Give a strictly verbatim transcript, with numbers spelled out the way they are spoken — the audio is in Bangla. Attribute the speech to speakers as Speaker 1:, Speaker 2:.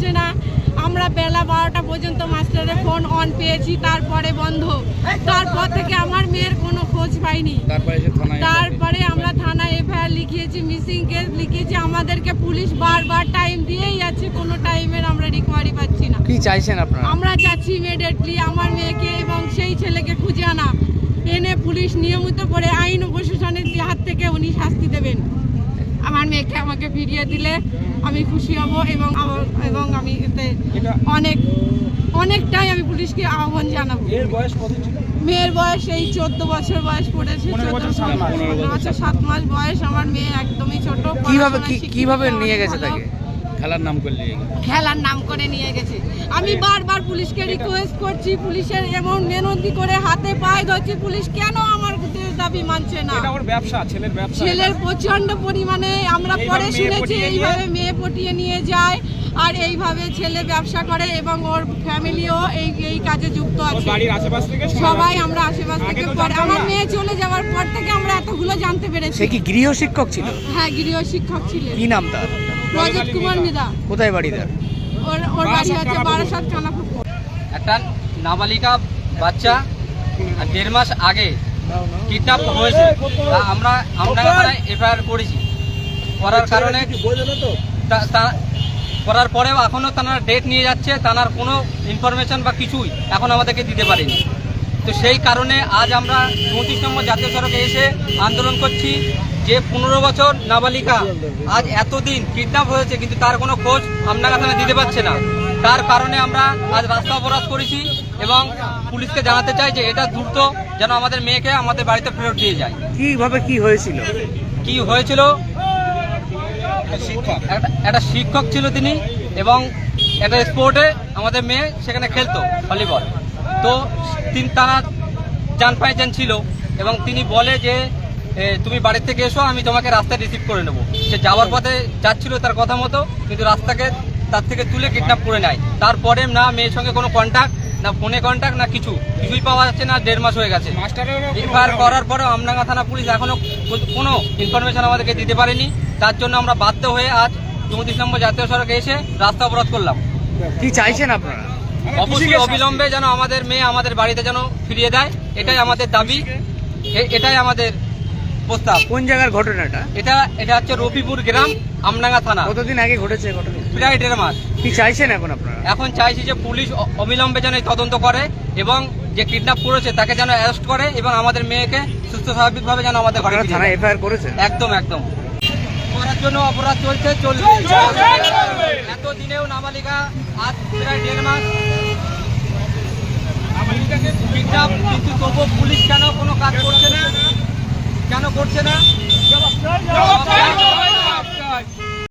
Speaker 1: আসে না। আমরা বেলা বারোটা পর্যন্ত মাস্টারের ফোন অন পেয়েছি, তারপরে বন্ধ। তারপর থেকে আমার মেয়ের কোনো খোঁজ পাইনি। তারপরে আমরা থানায় এফআইআর লিখিয়েছি, মিসিং কেস লিখিয়েছি। আমাদেরকে পুলিশ বারবার টাইম দিয়েই যাচ্ছে, কোনো টাইমের আমরা রিকভারি পাচ্ছি না।
Speaker 2: কি চাইছেন আপনারা?
Speaker 1: আমরা চাচ্ছি ইমিডিয়েটলি আমার মেয়েকে এবং সেই ছেলেকে খুঁজে আনা, এনে পুলিশ নিয়মিত করে আইন ও প্রশাসনের হাত থেকে উনি শাস্তি দেবেন। আমার মেয়েকে আমাকে ফিরিয়ে দিলে আমি খুশি হব এবং এবং আমি এতে অনেক অনেকটাই আমি পুলিশকে আহ্বান জানাবো। মেয়ের বয়স এই চোদ্দ বছর বয়স পড়েছে, পনেরো বছর সাত মাস বয়স। আমার মেয়ে একদমই ছোট।
Speaker 2: কিভাবে কিভাবে নিয়ে গেছে তাকে?
Speaker 3: খেলার নাম করে নিয়ে গেছে।
Speaker 1: খেলার নাম করে নিয়ে গেছে। আমি বারবার পুলিশকে রিকোয়েস্ট করছি, পুলিশের এমন মেনতি করে হাতে পায়ে ধরছি, পুলিশ কেন আমার দাবি মানছে না?
Speaker 3: এটা ওর ব্যবসা, ছেলের ব্যবসা।
Speaker 1: ছেলের প্রচন্ড পরিমাণে আমরা পরে শুনেছি এইভাবে মেয়ে পটিয়ে নিয়ে যায় আর এইভাবে ছেলে ব্যবসা করে এবং ওর ফ্যামিলিও এই এই কাজে যুক্ত আছে।
Speaker 3: বাড়ির আশেপাশ থেকে
Speaker 1: সবাই আমরা আশেপাশ থেকে পরে আমার মেয়ে চলে যাওয়ার পর থেকে আমরা এতগুলো জানতে পেরেছি।
Speaker 2: সে কি গৃহ শিক্ষক ছিল?
Speaker 1: হ্যাঁ, গৃহ শিক্ষক ছিলেন।
Speaker 2: কি নাম তার?
Speaker 1: রজত কুমার মিদা।
Speaker 2: কোথায় বাড়ি তার?
Speaker 1: ওর ওর বাড়ি আছে বারাসাত কানাপুকুর।
Speaker 4: একটা নাবালিকা বাচ্চা দেড় মাস আগে কিডন্যাপ হয়েছে। আমরা আমরা এফআইআর করেছি, করার কারণে করার পরেও এখনও তারা ডেট নিয়ে যাচ্ছে, তার কোনো ইনফরমেশন বা কিছুই এখন আমাদেরকে দিতে পারেনি। তো সেই কারণে আজ আমরা চৌত্রিশ নম্বর জাতীয় সড়কে এসে আন্দোলন করছি যে পনেরো বছর নাবালিকা আজ এতদিন কিডন্যাপ হয়েছে কিন্তু তার কোনো খোঁজ আপনারা থানা দিতে পারছে না। তার কারণে আমরা আজ রাস্তা অবরোধ করেছি এবং পুলিশকে জানাতে চাই যে এটা দ্রুত যেন আমাদের মেয়েকে আমাদের বাড়িতে ফেরত দিয়ে যায়।
Speaker 2: কিভাবে কি হয়েছিল?
Speaker 4: কি হয়েছিল, একটা শিক্ষক ছিল তিনি এবং একটা স্পোর্টে আমাদের মেয়ে সেখানে খেলতো ভলিবল। তো তিনি তারা জান পাইজান ছিল এবং তিনি বলে যে তুমি বাড়ি থেকে এসো, আমি তোমাকে রাস্তায় রিসিভ করে নেবো। সে যাওয়ার পথে যাচ্ছিল তার কথা মতো, কিন্তু রাস্তাকে তার থেকে তুলে কিডন্যাপ করে নেয়। তারপরে না মেয়ের সঙ্গে কোনো কন্ট্যাক্ট, না ফোনে কন্ট্যাক্ট, না কিছু কিছুই পাওয়া যাচ্ছে না। দেড় মাস হয়ে গেছে। এফআইআর করার পরেও আমডাঙ্গা থানা পুলিশ এখনো কোনো ইনফরমেশন আমাদেরকে দিতে পারেনি। তার জন্য আমরা বাধ্য হয়ে আজ চৌত্রিশ নম্বর জাতীয় সড়কে এসে রাস্তা অবরোধ করলাম।
Speaker 2: কি চাইছেন আপনারা?
Speaker 4: অবশ্যই অবিলম্বে যেন আমাদের মেয়ে আমাদের বাড়িতে যেন ফিরিয়ে দেয়, এটাই আমাদের দাবি, এটাই আমাদের প্রস্তাব।
Speaker 2: কোন জায়গার ঘটনাটা?
Speaker 4: এটা এটা হচ্ছে রফিপুর গ্রাম, আমডাঙ্গা থানা।
Speaker 2: কতদিন আগে ঘটেছে ঘটনা?
Speaker 4: প্রায় দেড় মাস।
Speaker 2: কি চাইছেন এখন আপনারা?
Speaker 4: এখন চাইছি যে পুলিশ অবিলম্বে যেন তদন্ত করে এবং যে কিডন্যাপ করেছে তাকে যেন অ্যারেস্ট করে এবং আমাদের মেয়েকে সুস্থ স্বাভাবিকভাবে যেন আমাদের ঘরে ফিরিয়ে দেয়।
Speaker 2: থানায় এফআইআর করেছে?
Speaker 4: একদম একদম। করার জন্য অপরাধ চলছে চলবে। এতদিনেও নাবালিকা আজ প্রায় দেড় মাস কিডন্যাপ, কিন্তু তবুও পুলিশ কেন কোনো কাজ করছে না? কেন করছে না?